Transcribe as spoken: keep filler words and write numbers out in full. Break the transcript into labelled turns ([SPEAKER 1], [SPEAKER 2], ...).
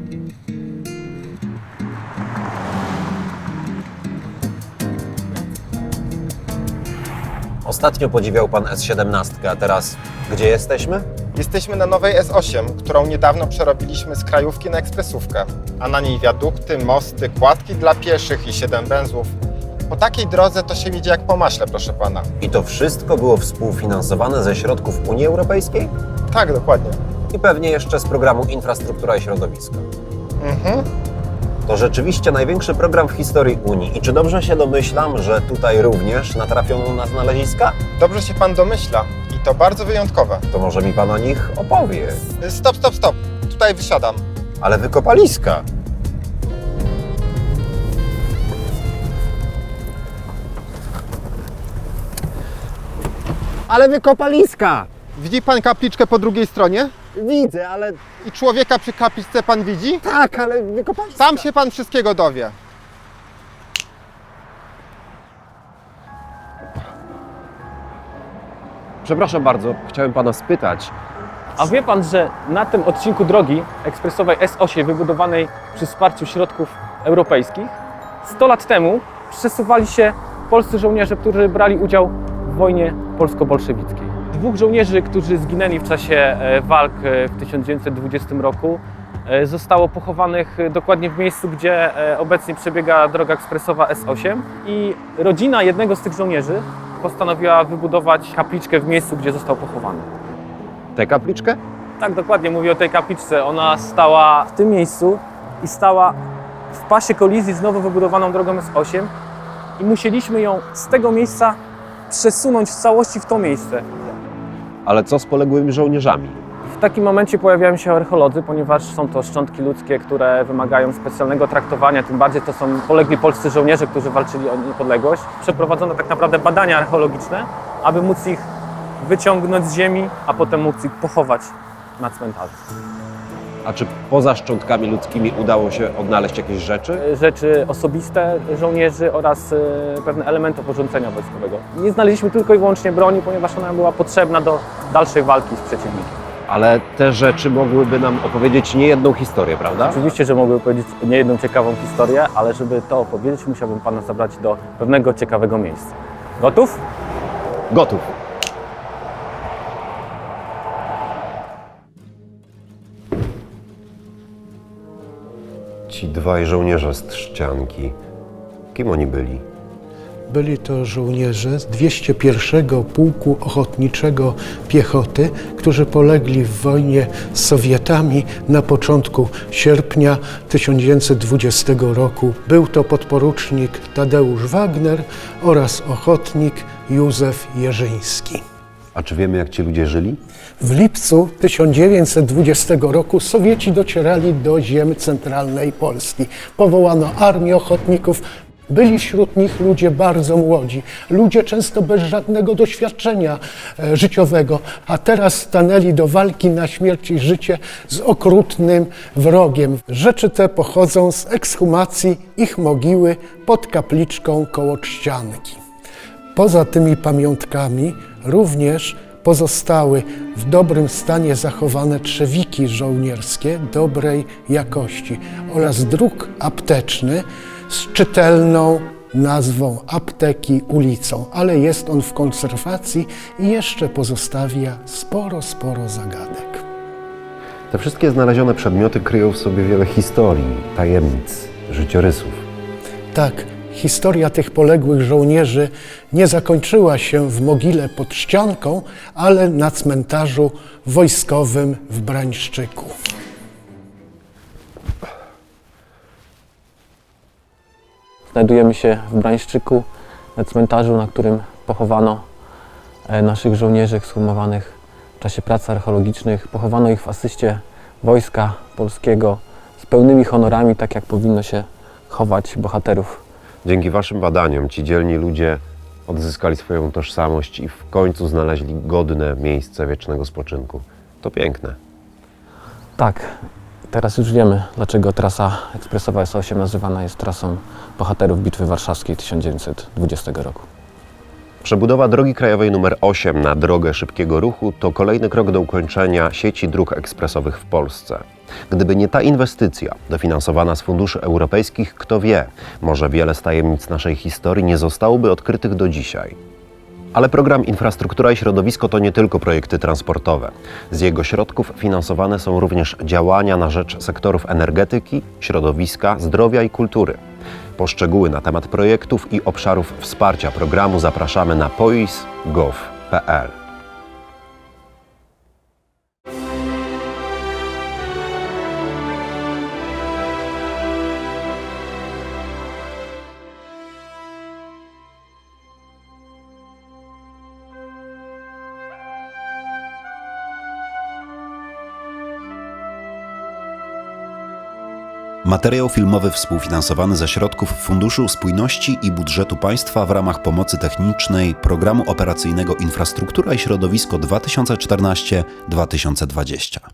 [SPEAKER 1] Ostatnio podziwiał pan S siedemnaście, a teraz gdzie jesteśmy?
[SPEAKER 2] Jesteśmy na nowej S osiem, którą niedawno przerobiliśmy z krajówki na ekspresówkę, a na niej wiadukty, mosty, kładki dla pieszych i siedem węzłów. Po takiej drodze to się idzie jak po maśle, proszę pana.
[SPEAKER 1] I to wszystko było współfinansowane ze środków Unii Europejskiej?
[SPEAKER 2] Tak, dokładnie.
[SPEAKER 1] I pewnie jeszcze z programu Infrastruktura i Środowisko.
[SPEAKER 2] Mhm.
[SPEAKER 1] To rzeczywiście największy program w historii Unii. I czy dobrze się domyślam, że tutaj również natrafiono na znaleziska?
[SPEAKER 2] Dobrze się pan domyśla i to bardzo wyjątkowe.
[SPEAKER 1] To może mi pan o nich opowie.
[SPEAKER 2] Stop, stop, stop. Tutaj wysiadam.
[SPEAKER 1] Ale wykopaliska. Ale wykopaliska!
[SPEAKER 2] Widzi pan kapliczkę po drugiej stronie?
[SPEAKER 1] Widzę, ale...
[SPEAKER 2] I człowieka przy kapliczce pan widzi?
[SPEAKER 1] Tak, ale wykopaliska.
[SPEAKER 2] Tam się pan wszystkiego dowie.
[SPEAKER 1] Przepraszam bardzo, chciałem pana spytać.
[SPEAKER 3] A wie pan, że na tym odcinku drogi ekspresowej S osiem wybudowanej przy wsparciu środków europejskich sto lat temu przesuwali się polscy żołnierze, którzy brali udział w wojnie polsko-bolszewickiej. Dwóch żołnierzy, którzy zginęli w czasie walk w tysiąc dziewięćset dwudziestym roku, zostało pochowanych dokładnie w miejscu, gdzie obecnie przebiega droga ekspresowa S osiem i rodzina jednego z tych żołnierzy postanowiła wybudować kapliczkę w miejscu, gdzie został pochowany.
[SPEAKER 1] Tę kapliczkę?
[SPEAKER 3] Tak, dokładnie mówię o tej kapliczce. Ona stała w tym miejscu i stała w pasie kolizji z nowo wybudowaną drogą S osiem i musieliśmy ją z tego miejsca przesunąć w całości w to miejsce.
[SPEAKER 1] Ale co z poległymi żołnierzami?
[SPEAKER 3] W takim momencie pojawiają się archeolodzy, ponieważ są to szczątki ludzkie, które wymagają specjalnego traktowania, tym bardziej to są polegli polscy żołnierze, którzy walczyli o niepodległość. Przeprowadzono tak naprawdę badania archeologiczne, aby móc ich wyciągnąć z ziemi, a potem móc ich pochować na cmentarzu.
[SPEAKER 1] A czy poza szczątkami ludzkimi udało się odnaleźć jakieś rzeczy?
[SPEAKER 3] Rzeczy osobiste żołnierzy oraz pewne elementy porządzenia wojskowego. Nie znaleźliśmy tylko i wyłącznie broni, ponieważ ona była potrzebna do dalszej walki z przeciwnikiem.
[SPEAKER 1] Ale te rzeczy mogłyby nam opowiedzieć niejedną historię, prawda?
[SPEAKER 3] Oczywiście, że mogły powiedzieć niejedną ciekawą historię, ale żeby to opowiedzieć, musiałbym pana zabrać do pewnego ciekawego miejsca. Gotów?
[SPEAKER 1] Gotów. Ci dwaj żołnierze z Trzcianki, kim oni byli?
[SPEAKER 4] Byli to żołnierze z dwieście pierwszego Pułku Ochotniczego Piechoty, którzy polegli w wojnie z Sowietami na początku sierpnia tysiąc dziewięćset dwudziestego roku. Był to podporucznik Tadeusz Wagner oraz ochotnik Józef Jerzyński.
[SPEAKER 1] A czy wiemy, jak ci ludzie żyli?
[SPEAKER 4] W lipcu tysiąc dziewięćset dwudziestego roku Sowieci docierali do ziem centralnej Polski. Powołano armię ochotników. Byli wśród nich ludzie bardzo młodzi, ludzie często bez żadnego doświadczenia e, życiowego, a teraz stanęli do walki na śmierć i życie z okrutnym wrogiem. Rzeczy te pochodzą z ekshumacji ich mogiły pod kapliczką koło Trzcianki. Poza tymi pamiątkami również pozostały w dobrym stanie zachowane trzewiki żołnierskie dobrej jakości oraz druk apteczny z czytelną nazwą Apteki ulicą, ale jest on w konserwacji i jeszcze pozostawia sporo, sporo zagadek.
[SPEAKER 1] Te wszystkie znalezione przedmioty kryją w sobie wiele historii, tajemnic, życiorysów.
[SPEAKER 4] Tak, historia tych poległych żołnierzy nie zakończyła się w mogile pod Trzcianką, ale na cmentarzu wojskowym w Brańszczyku.
[SPEAKER 3] Znajdujemy się w Brańszczyku, na cmentarzu, na którym pochowano naszych żołnierzy ekshumowanych w czasie prac archeologicznych. Pochowano ich w asyście Wojska Polskiego z pełnymi honorami, tak jak powinno się chować bohaterów.
[SPEAKER 1] Dzięki waszym badaniom ci dzielni ludzie odzyskali swoją tożsamość i w końcu znaleźli godne miejsce wiecznego spoczynku. To piękne.
[SPEAKER 3] Tak, teraz już wiemy, dlaczego trasa ekspresowa S osiem nazywana jest trasą bohaterów Bitwy Warszawskiej tysiąc dziewięćset dwudziestego roku.
[SPEAKER 1] Przebudowa drogi krajowej nr osiem na drogę szybkiego ruchu to kolejny krok do ukończenia sieci dróg ekspresowych w Polsce. Gdyby nie ta inwestycja, dofinansowana z funduszy europejskich, kto wie, może wiele z tajemnic naszej historii nie zostałoby odkrytych do dzisiaj. Ale program Infrastruktura i Środowisko to nie tylko projekty transportowe. Z jego środków finansowane są również działania na rzecz sektorów energetyki, środowiska, zdrowia i kultury. Po szczegóły na temat projektów i obszarów wsparcia programu zapraszamy na pois kropka gov kropka p l.
[SPEAKER 5] Materiał filmowy współfinansowany ze środków Funduszu Spójności i Budżetu Państwa w ramach pomocy technicznej Programu Operacyjnego Infrastruktura i Środowisko dwa tysiące czternaście do dwa tysiące dwudziestego.